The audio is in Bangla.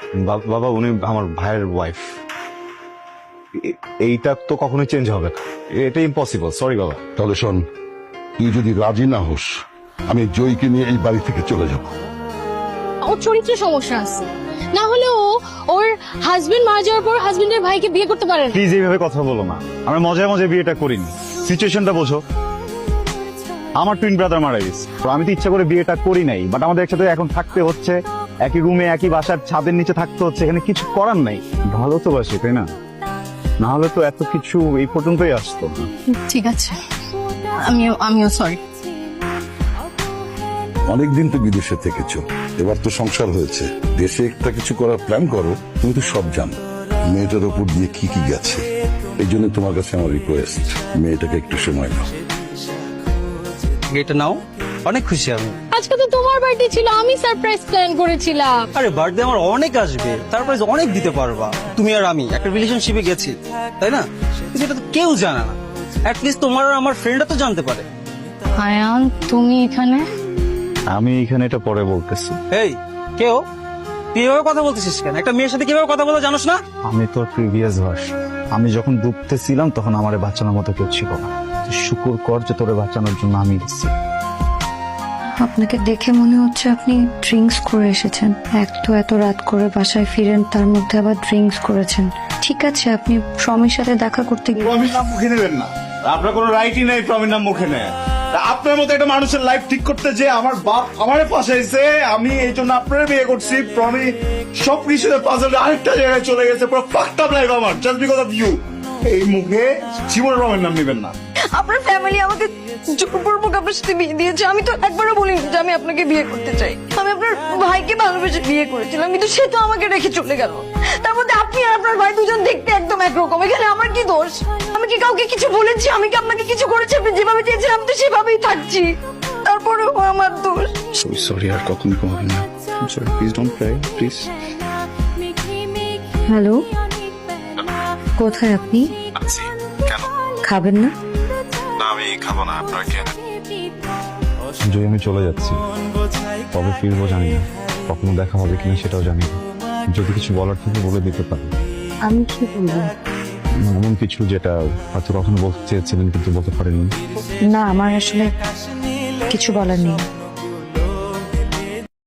বাবা উনি আমার ভাইয়ের ওয়াইফ। এইটা তো কখনোই চেঞ্জ হবে না, এটা ইম্পসিবল। সরি বাবা। তাহলে শোন, তুই যদি রাজি না হোস আমি জয়কে নিয়ে এই বাড়ি থেকে চলে যাব। ওর চরিত্রে সমস্যা আছে, না হলে ও ওর হাজবেন্ড মারা যাওয়ার পর হাজবেন্ডের ভাইকে বিয়ে করতে পারে না। প্লিজ এইভাবে কথা বলো না, আমরা মজায় মজায় বিয়েটা করিনি। সিচুয়েশনটা বোঝো। আমার টুইন ব্রাদার মারা গেছে, তো আমি তো ইচ্ছা করে বিয়েটা করি নাই, বাট আমাদের একসাথে এখন থাকতে হচ্ছে, একই রুমে একই বাসার ছাদের নিচে থাকতে হচ্ছে, এখানে কিছু করার নাই। ভালো তো বাসি, তাই না? না হলে তো এত কিছু এই পর্যন্তই আসতো। ঠিক আছে, আমিও সরি। অনেকদিন তো বিদেশে থেকেছো, এবার তো সংসার হয়েছে, দেশে একটা কিছু করার প্ল্যান করো। তুমি তো সব জানো মেয়েটার উপর দিয়ে কি কি গেছে। এই জন্য তোমার কাছে আমার রিকোয়েস্ট, মেয়েটাকে একটু সময় দাও। এটা নাও, অনেক খুশি আমি। আজকে তো তোমার বার্থডে ছিল, আমি সারপ্রাইজ প্ল্যান করেছিলাম। আরে বার্থডে আমার অনেক আসবে, তারপরে অনেক দিতে পারবা। তুমি আর আমি একটা রিলেশনশিপে গেছি, তাই না? কিন্তু এটা তো কেউ জানে না, অ্যাটলিস্ট তোমার আর আমার ফ্রেন্ডরা তো জানতে পারে। আয়ান, তুমি এখানে? আমি এখানে এটা পরে বলতেছি। এই কেউ তুই এভাবে কথা বলতেছিস কেন? একটা মেয়ের সাথে কিভাবে কথা বলতে জানোস না? আমি তোর প্রিভিয়াস ভার্সন। আমি যখন ডুবতেছিলাম তখন আমারে বাঁচানোর মতো কেউ ছিল না। শুকুর কর যে তোরে বাঁচানোর জন্য আমি এসেছি। আপনাকে দেখে মনে হচ্ছে আপনি ড্রিঙ্কস করে এসেছেন। এক তো এত রাত করে বাসায় ফিরেন, তার মধ্যে আবার ড্রিঙ্কস করেছেন। ঠিক আছে, আপনি স্বামীর সাথে দেখা করতে গিয়ে প্রমির নাম মুখে নেবেন না, আপনার কোনো রাইটই নাই প্রমির নাম মুখে নেয়। আপনার মতো একটা মানুষের লাইফ ঠিক করতে যে আমার বাপ আমারে ফাঁসাইছে, আমি এই জন্য আপনার বিয়ে করছি। প্রমি সব কিছুতে পাজল আরেকটা জায়গায় চলে গেছে, পুরো ফাকড আপ লাইফ আমার, জাস্ট বিকজ অফ ইউ। এই মুখে জীবনে প্রমির নাম নেবেন না। আপনার ফ্যামিলি আমাকে জোরপূর্বক আপনার সাথে বিয়ে দিয়েছে। আমি তো একবারও বলিনি যে আমি আপনাকে বিয়ে করতে চাই। আমি আপনার ভাইকে ভালোবেসে বিয়ে করেছিলাম, কিন্তু সে তো আমাকে রেখে চলে গেল। তার মধ্যে আপনি আর আপনার ভাই দুজন দেখতে একদম একরকম। এখানে আমার কি দোষ? আমি কি কাউকে কিছু বলেছি? আমি কি আপনাকে কিছু করেছি? আপনি যেভাবে চেয়েছেন আমি তো সেভাবেই থাকছি, তারপরেও আমার দোষ। সরি, আর কখনো হবে না। Sorry, please don't cry, please. Hello, কোথায় আপনি? কেন খাবেন না? না, আমি খাবো না। আপনার কেন? যদি আমি চলে যাচ্ছি, কবে ফিরবো জানি না, কখনো দেখা হবে কিনা সেটাও জানি না। যদি কিছু বলার থেকে বলে দিতে পারি। আমি কি বলবো? এমন কিছু যেটা হয়তো কখনো বলতে চেয়েছিলেন কিন্তু বলতে পারেননি। না, আমার আসলে কিছু বলার নেই।